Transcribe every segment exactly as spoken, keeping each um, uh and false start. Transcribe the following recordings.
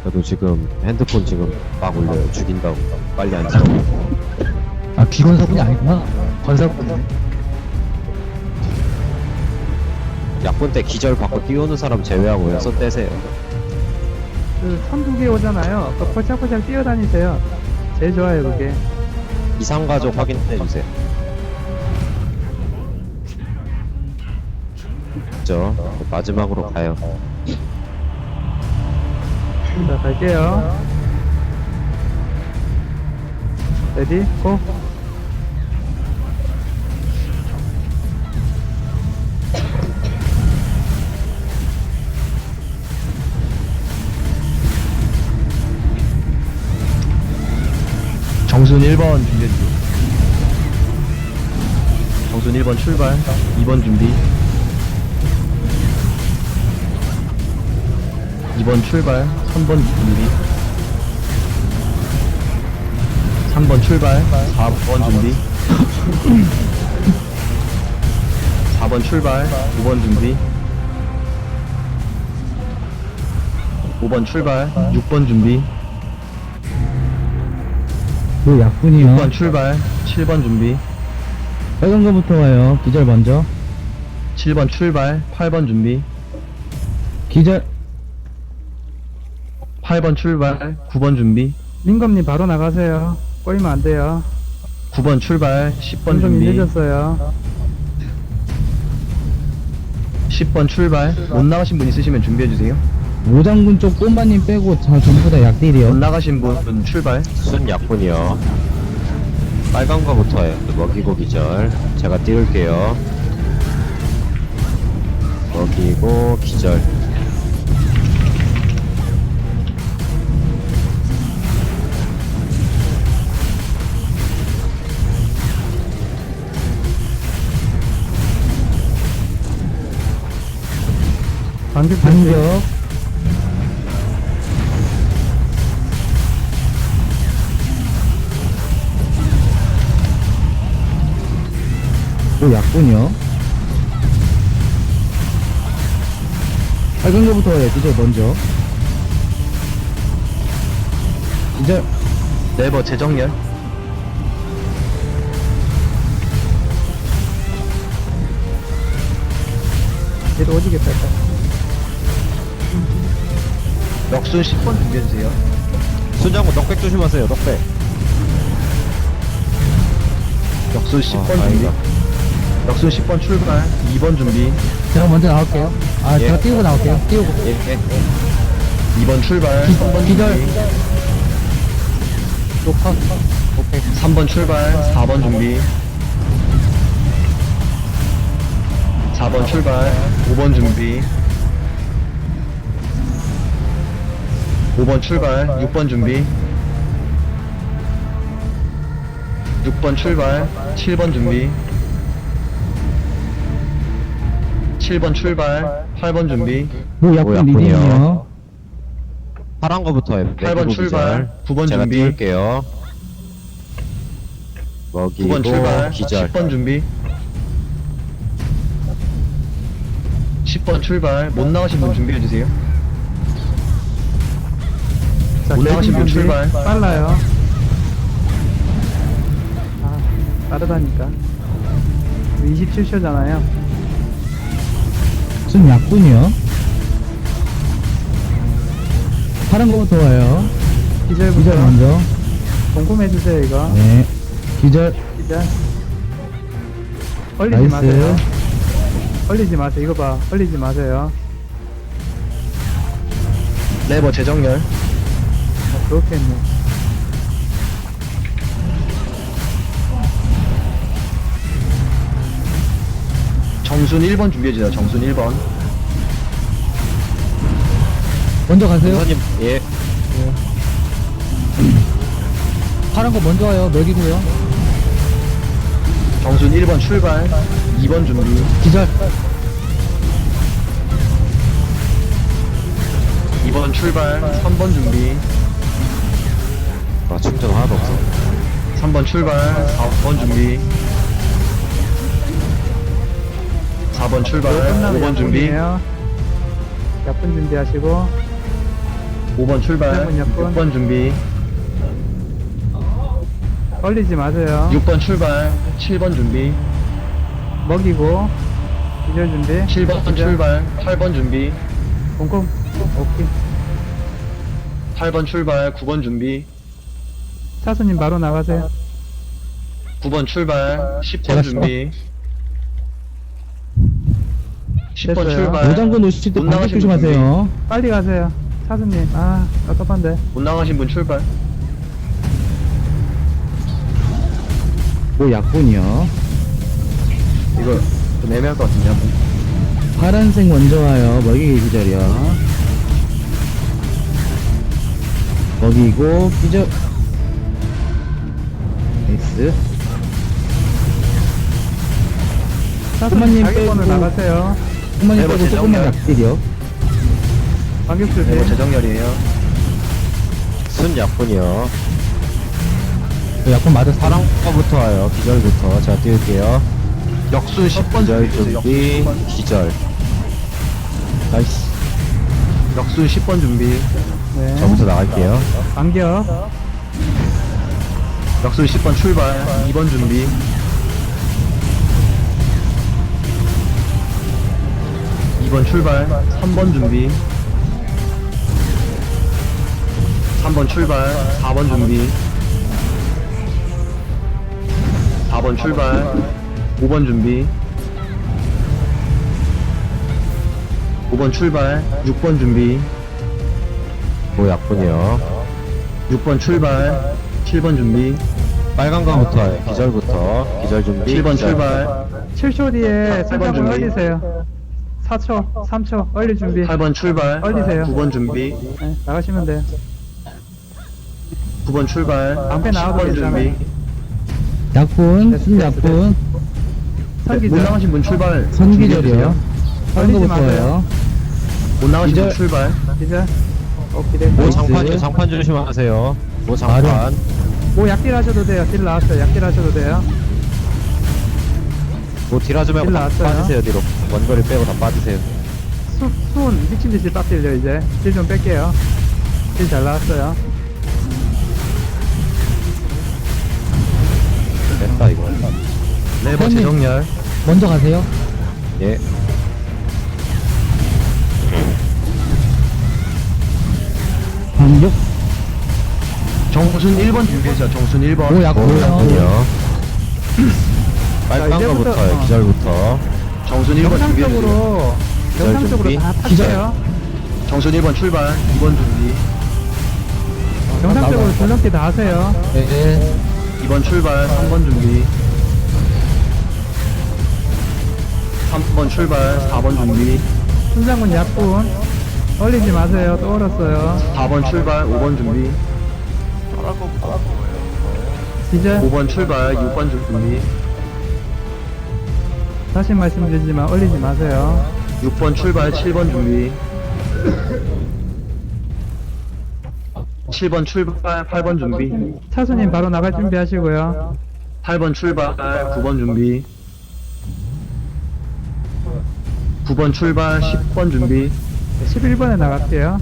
저도 지금 핸드폰 지금 막 올려요. 죽인다고. 빨리 안 치워. 아, 비건사군이 아니구나. 건사군이네. 약분 때 기절 받고 뛰어오는 사람 제외하고요. 손 떼세요. 그 선 두 개 오잖아요. 그 포착포착 뛰어다니세요. 제일 좋아요 그게. 이상가족 확인해 주세요. 저 마지막으로 가요. 자 갈게요. 레디 고. 정순 일 번 준비해주세요. 정순 일 번 출발. 이 번 준비. 이 번 출발. 삼 번 준비. 삼 번 출발. 사 번 준비. 사 번 출발. 오 번 준비. 오 번 출발. 육 번 준비. 그 약분이요. 육 번 출발. 칠 번 준비. 빨간 거부터 와요. 기절 먼저. 칠 번 출발. 팔 번 준비. 기절. 팔 번 출발. 구 번 준비. 민검님 바로 나가세요. 꼬이면 안 돼요. 구 번 출발. 십 번 민검님 준비. 늦었어요. 십 번 출발. 못 나가신 분 있으시면 준비해주세요. 오장군 쪽 꼼바님 빼고 다 전부 다 못 약딜이요. 나가신 분 출발. 순 약분이요. 빨간 거부터 해요. 먹이고 기절. 제가 띄울게요. 먹이고 기절. 반격 반격. 또 약분이요. 빨간 거부터 와요. 기절 먼저. 기절. 네버 재정렬. 얘도 오지겠다. 일단. 역순 십 번 준비해주세요. 순장군 넉백 조심하세요. 넉백. 역순 십 번 아, 준비. 다행이다. 역순 십 번 출발. 이 번 준비. 제가 먼저 나올게요. 아, 예. 제가 띄우고 나올게요. 띄우고. 예, 예. 이 번 출발. 기- 삼 번 기절. 준비. 녹화. 오케이. 삼 번 출발. 사 번 준비. 사 번 출발. 오 번 준비. 오 번 출발. 육 번 준비. 육 번 출발. 칠 번 준비. 칠 번 출발. 팔 번 준비. 뭐 뭐 약분 약분이요. 리딩이요. 파란 거부터 해요. 팔 번 먹이고 출발. 기절. 구 번 제가 준비. 띄울게요. 구 먹이고 번 출발. 기절. 십 번 준비. 십 번 출발. 못 나가신 분 준비해주세요. 자, 올라가신 분 준비. 출발. 빨라요. 아, 빠르다니까. 이십칠 초잖아요. 순 약분이요. 파란 거부터 와요. 기절부터 기절 먼저. 궁금해주세요 이거. 네. 기절. 기절. 얼리지 나이스. 마세요. 얼리지 마세요. 이거 봐. 얼리지 마세요. 네버 재정렬. 아, 그렇겠네. 정순 일 번 준비해주세요. 정순 일 번. 먼저 가세요. 선생님, 예. 파란 거 먼저 와요. 먹이고요. 정순 일 번 출발. 이 번 준비. 기절. 이 번 출발. 삼 번 준비. 아, 충전 하나도 없어. 삼 번 출발. 사 번 준비. 사 번 출발. 오 번 준비. 약분 준비하시고. 오 번 출발. 네, 몇 번? 육 번 준비. 얼리지 마세요. 육 번 출발. 칠 번 준비. 먹이고 기절 준비. 칠 번 기절. 출발. 팔 번 준비. 공공. 오케이. 팔 번 출발. 구 번 준비. 차수님 바로 나가세요. 구 번 출발. 십 제가 번 준비. 십 번 됐어요. 출발. 노장군 오실 때 못 반격 나가신 분 조심하세요. 빨리 가세요. 차수님. 아 답답한데. 못 나가신 분 출발. 뭐 약분이요. 이거 좀 애매할 것 같은데, 한 번. 파란색 먼저 와요. 먹이기 기절이요. 먹이고 기절. 나이스. 차수님 부모님 자기 번을 빼고. 나가세요. 한번에 네, 빼고 뭐 조금만 재정렬. 약딜이요. 반격 네, 준비. 뭐 재정렬이에요. 순 약분이요. 그 약분 맞았어. 파란 거부터 와요. 기절부터. 제가 띄울게요. 역순 십 번 기절 준비. 준비, 기절. 나이스. 역순 십 번 준비. 네. 저부터 나갈게요. 반격. 역순 십 번 출발. 이 번 준비. 이 번 출발. 삼 번 준비. 삼 번 출발. 사 번 준비. 사 번 출발. 오 번 준비. 오 번 출발. 육 번 준비. 뭐 약분이요. 육 번 출발. 칠 번 준비. 빨간 거부터 와요. 기절부터. 기절 준비. 칠 번 기절. 출발. 칠 초 뒤에 팔 번 승자분 준비. 얼리세요. 사 초, 삼 초 얼리 준비. 팔 번 출발. 얼리세요. 구 번 준비. 네, 나가시면 돼요. 구 번 출발. 방패 나와도 십 번 괜찮아요. 준비. 약분, 됐어, 순 됐어, 약분, 못 선기절. 나가신 분 출발. 선기절이요. 준비해주세요. 파란 걸리지 거부터 마세요. 와요. 못 나가신 분 기절. 출발. 기절. 오케이, 뭐 됐어. 장판, 장판 조심하세요. 뭐 장판. 뭐 약딜 하셔도 돼요. 딜 나왔어요. 약딜 하셔도 돼요. 뭐 딜하지 말고 딜 다 나왔어요. 빠지세요, 뒤로. 원거리 빼고 다 빠지세요. 수, 순 미친듯이 빡 딜려 이제. 딜 좀 뺄게요. 딜 잘 나왔어요. 됐다, 이거. 레버 선생님. 재정렬. 먼저 가세요. 예. 반격. 정순 일 번 준비해주세요. 정순 일 번. 오 뭐 약분이요. 약분이요. 빨간 자, 이제부터- 거부터요. 어. 기절부터. 정순 일 번 준비해주세요. 정상적으로 정상적으로 준비. 다 기절. 타세요. 정순 일 번 출발. 이 번 준비. 정상적으로 나가. 줄넘기 다 하세요. 네. 이 번 출발. 삼 번 준비. 삼 번 출발. 사 번 준비. 순장군 약분. 얼리지 마세요. 또 얼었어요. 사 번 출발. 오 번 준비. 기절. 오 번 출발. 육 번 준비. 다시 말씀드리지만 얼리지 마세요. 육 번 출발. 칠 번 준비. 칠 번 출발. 팔 번 준비. 차수님 바로 나갈 준비하시고요. 팔 번 출발. 구 번 준비. 구 번 출발. 십 번 준비. 십일 번에 나갈게요.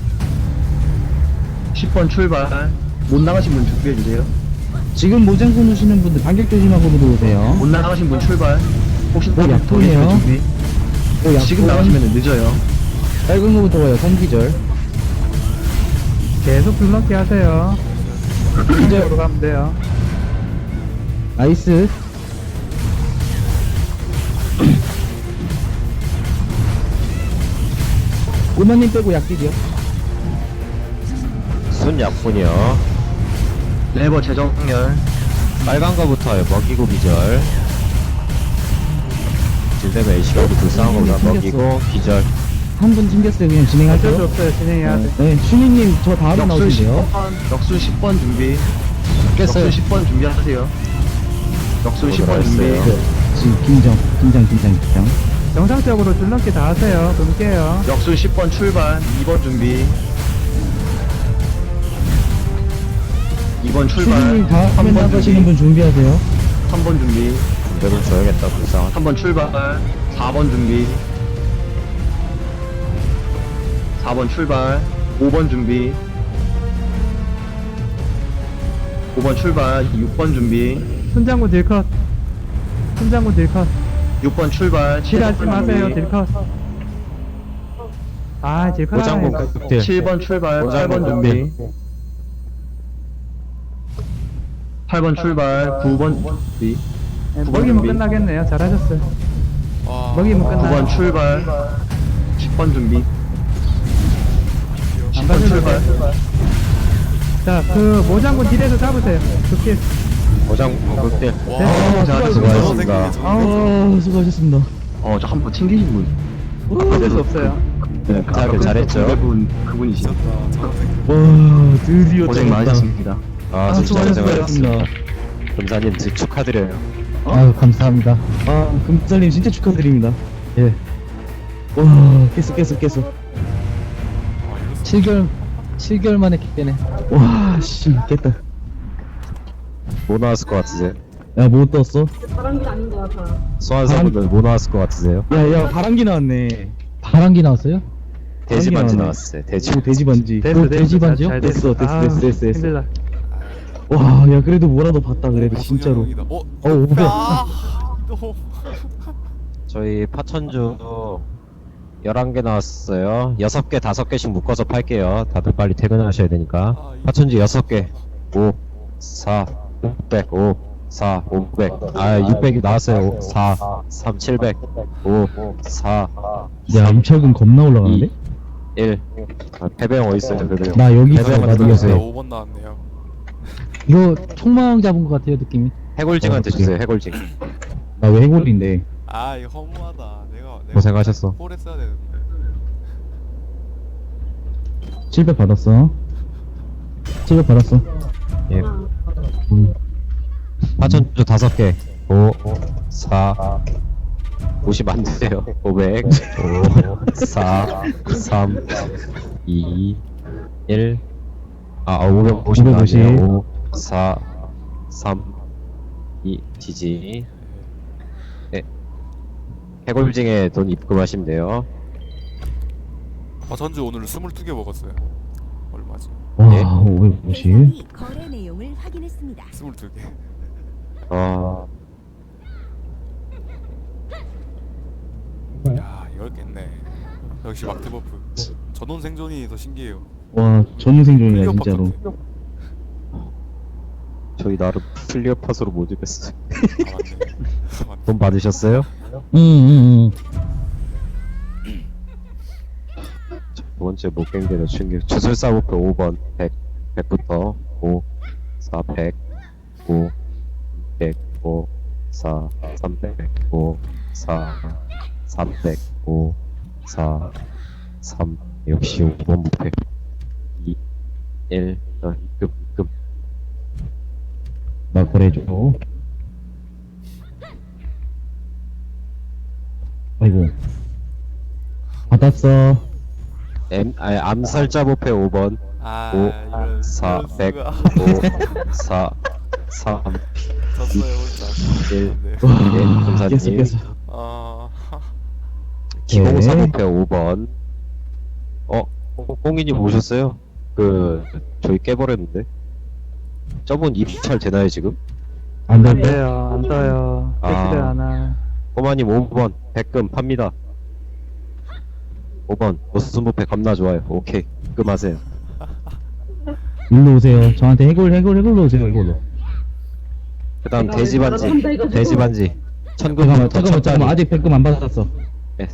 십 번 출발. 못 나가신 분 준비해주세요. 지금 모장군 오시는 분들 반격 조심하고 들어오세요. 못 나가신 분 출발. 혹시 뭐 더 약분이에요? 계시면 준비. 오 약분. 지금 나가시면 늦어요. 빨간 거부터 와요. 선기절. 계속 줄넘기 하세요. 이쪽으로 가면 돼요. 나이스. 우마님 빼고 약딜이요. 순 약분이요. 레버 재정렬. 빨간 거부터 와요. 먹이고 기절. 딜되면 A시가도 불쌍한 거보다 튕겼어. 먹이고 기절. 한 분 튕겼어요. 그냥 어쩔 수 진행하죠. 없어요. 진행해야 돼. 네, 슈니님 저 다음에 역순 십 나오신대요. 번. 역순 십 번 준비. 깼어요. 역순 십 번 준비하세요. 역순 십 번 뭐라 준비. 했어요? 네, 지금 긴장, 긴장, 긴장, 긴장. 정상적으로 줄넘기 다 하세요. 그럼 깨요. 역순 십 번 출발. 이 번 준비. 이 번 출발. 슈니님 다음에 삼 번 나가시는 준비. 분 준비하세요. 삼 번 준비. 군대를 줘야겠다. 불쌍한. 삼 번 출발. 사 번 준비. 사 번 출발. 오 번 준비. 오 번 출발. 육 번 준비. 손장군 딜컷. 손장군 딜컷. 육 번 출발. 딜하지 마세요, 딜컷. 아, 딜컷 오장군 하네. 극딜. 칠 번 출발. 팔 번 오장군 준비. 팔 번 출발. 구 번 준비. 네, 구 번 먹이면 준비. 끝나겠네요. 잘하셨어요. 와. 먹이면 구 끝나요. 번 출발. 십 번 준비. 안 십 번 봐주셔도 출발. 돼요. 자, 그 모장군 딜에서 잡으세요. 극딜. 오장군 극딜. 와. 네. 자, 수고하셨습니다. 아, 수고하셨습니다. 어, 저 한 번 챙기신 분. 어쩔 수 없어요. 네, 잘하긴 잘했죠. 그분, 그분이시죠. 미쳤다. 저런 와, 드디어 고생 잡았다. 많으셨습니다. 아, 아, 진짜 수고하셨습니다. 고생하셨습니다. 금사님 드- 축하드려요. 아유, 감사합니다. 아, 금살님 진짜 축하드립니다. 예. 와, 깼어, 깼어, 깼어. 칠 개월, 칠 개월 만에 깨네. 와, 씨, 깼다. 뭐 나왔을 것 같으세요? 야, 뭐 떴어? 바람길 아닌 것 같아. 소환사분들 뭐 나왔을 것 같으세요? 야, 야, 바람기 나왔네. 바람기 나왔어요? 돼지 반지 나왔네. 나왔어요. 돼지. 오, 돼지 반지. 됐어, 오, 됐어. 돼지 반지요? 잘 됐어, 됐어, 아, 됐어, 됐어, 됐어. 힘들다. 와, 야, 그래도 뭐라도 봤다, 그래도, 진짜로. 어? 어, 오백. 아, 너. 저희 파천주 열한 개 나왔어요. 여섯 개, 다섯 개씩 묶어서 팔게요. 다들 빨리 퇴근하셔야 되니까. 아, 이거- 파천주 여섯 개. 오, 사, 오백, 오, 사, 오백. 아, 육백이 나왔어요. 오, 사, 삼, 칠백. 오, 사, 야, 임차금 겁나 올라가는데? 일. 아, 패배형 어딨어요, 패배형. 나 여기 있어, 패배형한테 나도 주세요. 여기 오 번 나왔네요. 이거 총망 잡은 것 같아요, 느낌이. 해골징한테 어, 주세요, 해골징. 나 왜 해골인데? 아, 이거 허무하다. 내가 내가 고생하셨어. 홀 했어야 되는데. 칠백 받았어. 칠백 받았어. 예. 음. 파천주 다섯 개. 오, 사, 오십 안 되세요. 오백, 오, 사, 삼, 이, 일. 아, 오백오십 오백오십. 나왔네요. 오, 사, 삼, 이, 지지. 네. 해골징에 돈 입금하시면 돼요. 아, 전주 오늘 스물두 개 먹었어요. 얼마지? 와, 예? 오백오십. 대상이 거래 내용을 확인했습니다. 스물두 개. 아, 야, 이걸 깼네. 역시 막대 버프. 전원 생존이 더 신기해요. 와, 전생존이야, 클리어 진짜로. 팟 저희 나름 클리어 팟으로 모집했어요. 같아. 아, 맞네. 아, 맞네. 돈 받으셨어요? 응, 응, 응. 두 번째 목갱대로 충격. 주술사 목표 오 번. 백. 백부터. 오, 사, 백. 오, 백. 오, 사, 삼백. 오, 사, 삼백. 오, 사, 삼. 역시 오 번 목표. 이, 일. 어, 입금, 입금. 나 거래줘. 아이고. 받았어. M, 아니, 암살자 목표 오 번. 아, 오, 이런 사, 이런 백. 수가. 오, 사, 삼, 졌어요, 혼자. 일. 네. 예, 깼어, 검사님. 깼어. 아, 기공사 네. 목표 오 번. 어, 홍이님 오셨어요? 그, 저희 깨버렸는데. 저분 입찰 되나요, 지금? 안 안 돼. 돼요, 안 떠요. 아. 패치를 안 하. 꼬마님 오 번, 백금 팝니다. 오 번, 노스무패 겁나 좋아요. 오케이, 입금하세요. 일로 오세요. 저한테 해골, 해골, 해골로 오세요, 이걸로. 그 다음 돼지반지, 돼지반지. 천금, 잠깐만, 잠깐만, 잠깐만. 아직 백금 안 받았어. 네.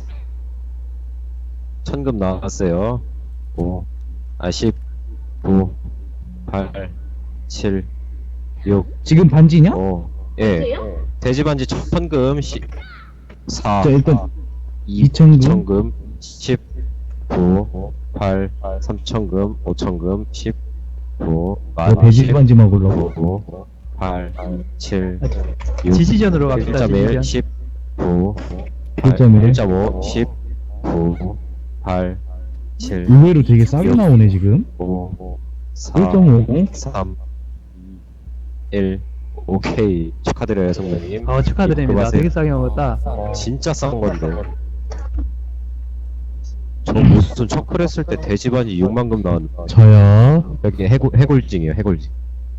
천금 나왔어요. 오, 아, 십, 구, 팔, 칠, 육, 지금 반지냐? 오, 예. 돼지반지 천금, 시, 사, 자, 일단 이, 이천금. 이천금, 십, 구, 팔, 삼천금, 오천금, 십, 구, 너 돼지 반지 먹으려고. 구, 팔, 칠, 육, 지지전으로 갑시다, 일 점 일, 지지전. 십, 구, 일 점 일. 일 점 오, 십, 구, 팔, 칠, 의외로 되게 싸게 나오네, 지금. 오, 사, 일 점 오공. 삼, 이, 일. 오케이. 축하드려요, 성명님. 어, 축하드립니다. 입금하세요. 되게 싸게 먹었다. 진짜 싼 건데. 저 무슨 척클 했을 때 대지반이 육만금 나왔는데 저요. 여기 해골, 해골징이에요 해골징.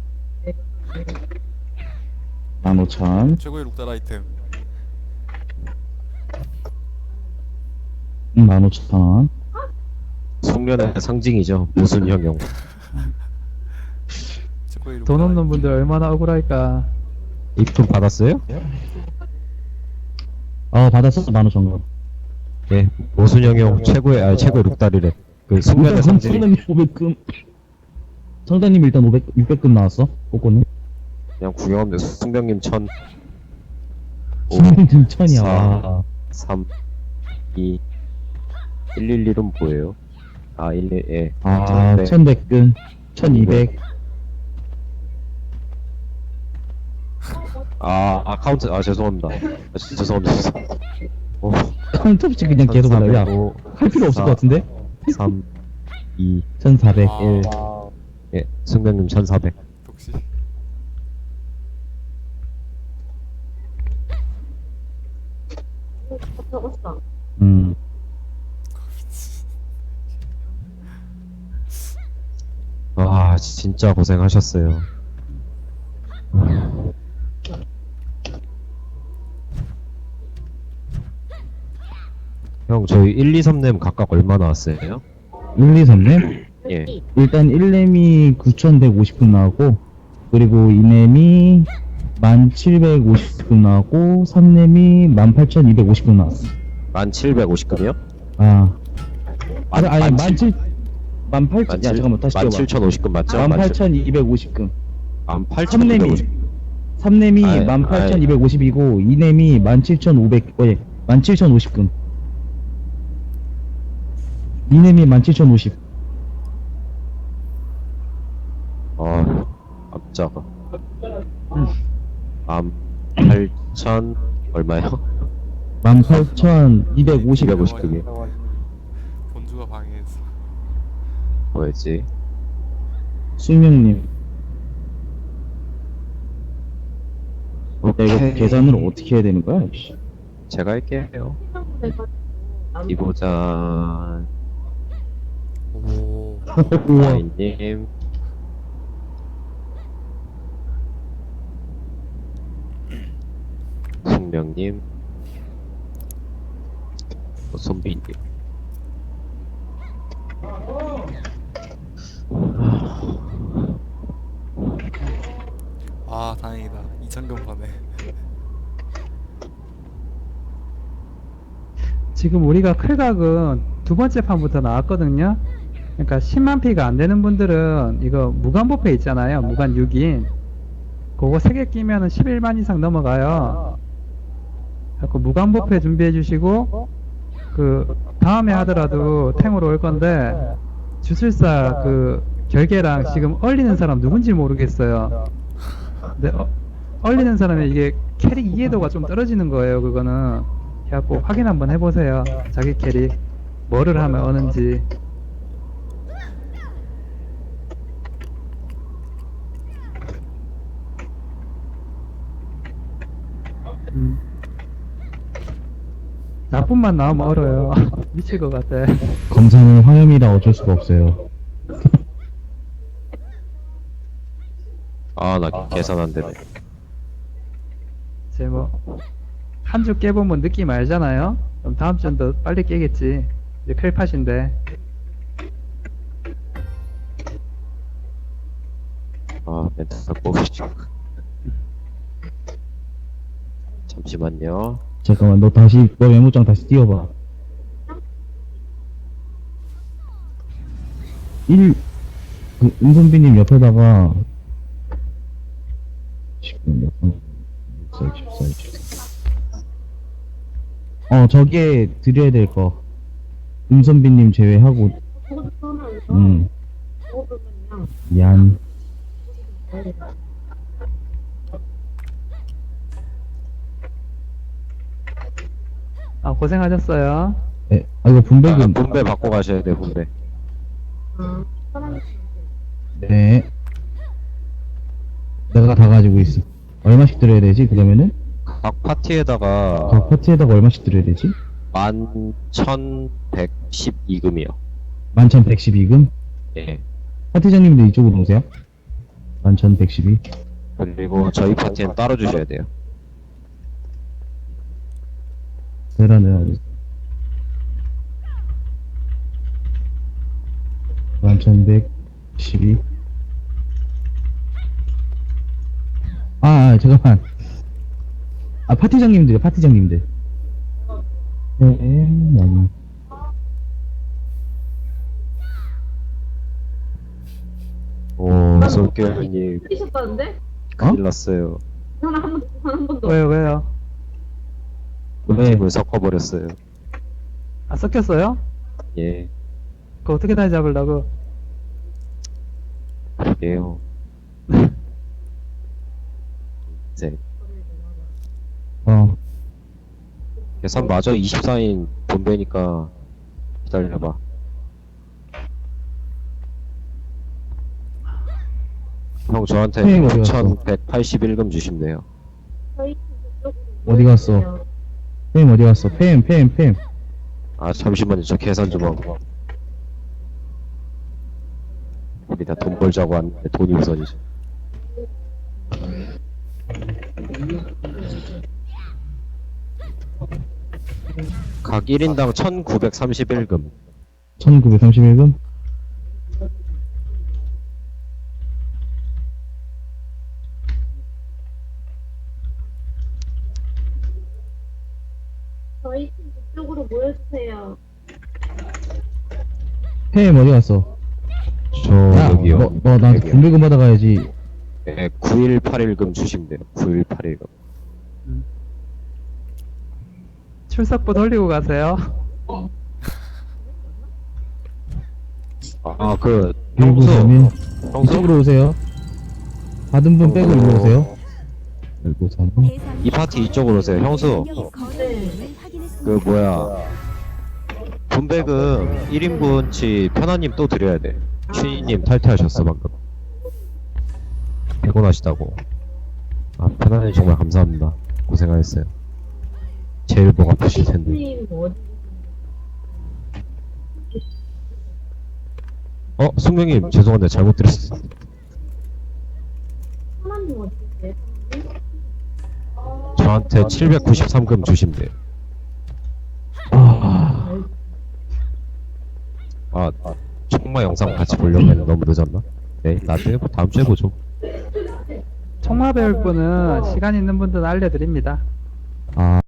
만 오천. 최고의 룩달 아이템. 음, 만 오천. 숙련의 상징이죠 모순형용. 최고의 룩달 돈 없는 아이템. 분들 얼마나 억울할까. 입금 받았어요? 어, 받았어, 만 오천 원. 예, 모순형용 최고의 아 최고의 룩다리래. 그 숙련의 일단 상징. 성단님 오백 금. 성단님 일단 오백, 육백 금 나왔어. 꼬꼬는. 그냥 구경하면 돼. 숙명님 천. 오, 성단님 천이야. 사. 와. 삼, 이, 일일일은 뭐예요? 아, 일일, 예. 아, 네. 천백 금. 천이백. 아, 아, 카운트, 아, 죄송합니다. 아, 진짜 죄송합니다. 죄송합니다. 오, 카운터 없이 그냥 계속 하라. 야, 천삼백오, 할 필요 없을 사, 것 같은데? 삼, 이, 천사백. 아, 일. 예, 숙명님 천사백. 역시. 음. 아, 진짜 고생하셨어요. 형, 저희 일, 이, 삼 렘 각각 얼마 나왔어요? 일, 이, 삼 렘? 예. 일단 일 렘이 구천백오십 금 나오고, 그리고 이 렘이 만 칠백오십 금 나오고, 삼 렘이 만 팔천이백오십 금 나왔어. 만 칠백오십 금이요? 아. 만- 아니, 아니, 만 만 칠, 만 팔천, 야, 잠깐만, 다시 만 뛰어봐. 칠천오십 금 맞죠? 만 팔천이백오십 금. 만 삼 팔천오백오십 렘이, 금. 삼 렘이 아이, 만 팔천이백오십이고, 이 렘이 만 칠천오백, 어, 예, 만 칠천오십 금. 이 렘이 만 칠천오십. 아, 깜짝아. 만 팔천 얼마요? 만 팔천이백오십. 이백오십 금이 본주가 방해했어. 뭐였지? 숙명님. 야, 이거 오케이. 계산을 어떻게 해야 되는 거야? 씨. 제가 할게요. 이보자. 오. 우와. 아이님. 숙명님. 손비님. 아, 다행이다. 이천 금 버네. 지금 우리가 클각은 두 번째 판부터 나왔거든요. 그러니까 십만 피가 안 되는 분들은 이거 무관부패 있잖아요. 무관 육 인. 그거 세 개 끼면은 십일만 이상 넘어가요. 자꾸 무관부패 준비해 주시고, 그, 다음에 하더라도 탱으로 올 건데, 주술사 그, 결계랑 지금 얼리는 사람 누군지 모르겠어요. 근데, 어, 얼리는 사람의 이게 캐릭 이해도가 좀 떨어지는 거예요, 그거는. 그래갖고 확인 한번 해보세요. 자기 캐릭. 뭐를 하면 어는지. 음. 나쁜만 나오면 얼어요. 미칠 것 같아. 검사는 화염이라 어쩔 수가 없어요. 아, 나 계산 안 되네. 이제 뭐, 한 주 깨보면 느낌 알잖아요? 그럼 다음 주는 더 빨리 깨겠지. 이제 클팟인데. 아, 멘트 뽑으시죠. 잠시만요. 잠깐만, 너 다시, 너 메모장 다시 띄워봐. 일, 그, 은선비님 옆에다가, 지금 몇 번, 육사, 이십사, 이십사. 어, 저기에 드려야 될 거. 은선비님 제외하고, 음. 미안. 아, 고생하셨어요. 에, 아, 이거 아, 분배금. 분배 받고 가셔야 돼요, 분배. 네. 내가 다 가지고 있어. 얼마씩 드려야 되지, 그러면은? 각 파티에다가 각 파티에다가 얼마씩 드려야 되지? 만 천백십이 금이요. 만 천백십이 금? 예. 파티장님도 이쪽으로 오세요. 만 천백십이. 그리고 저희 파티엔 따로 주셔야 돼요. 대란을 어디 만 천백십이. 아, 아, 잠깐만. 아, 파티장님들, 파티장님들. 네, 네. 오, 솔개님 뛰셨다는데? 큰일 났어요. 하나 한 번, 한 번도. 왜요, 왜요? 왜? 팀을 섞어버렸어요. 아, 섞였어요? 예, 그거 어떻게 다시 잡으려고? 그게요. 이제 어, 계산 마저 이십사인 본배니까 기다려봐. 형 저한테 형님 어디 갔어? 육천백팔십일 금 주시면 돼요. 저희 쪽으로 어디 갔어? 모여주세요. 팸 어디 갔어? 팸, 팸, 팸. 아 잠시만요, 저 계산 좀 하고. 우리 다 돈 벌자고 하는데 돈이 우선이죠. 각 일 인당 천구백삼십일 금. 천구백삼십일 금? 저희 팀 쪽으로 모여주세요. 팸 어디 갔어? 저 야, 여기요. 너, 너 나한테 여기요. 군대금 받아가야지. 네, 구천백팔십일 금 주시면 돼요. 구천백팔십일 금. 출석부 돌리고 가세요. 아, 그 일구삼일. 형수, 형수 이쪽으로 오세요. 받은 분 빼고 어. 일로 오세요. 일구삼일. 이 파티 이쪽으로 오세요. 형수, 네. 그 뭐야 분배금 일 인분치 편안님 또 드려야 돼. 슈이님 탈퇴하셨어 방금. 피곤하시다고. 아 편안님 정말 감사합니다. 고생하셨어요. 제일 목 아프실 텐데. 팀 어디? 어 숙명님 죄송한데 잘못 드렸어. 하나님 어디 계세요? 저한테 칠백구십삼 금 주시면 돼요. 아, 아, 아 청마 영상 같이 보려고 했는데 너무 늦었나? 네 나중에 뭐 다음 주에 보죠. 총마 배울 분은 시간 있는 분들은 알려드립니다. 아.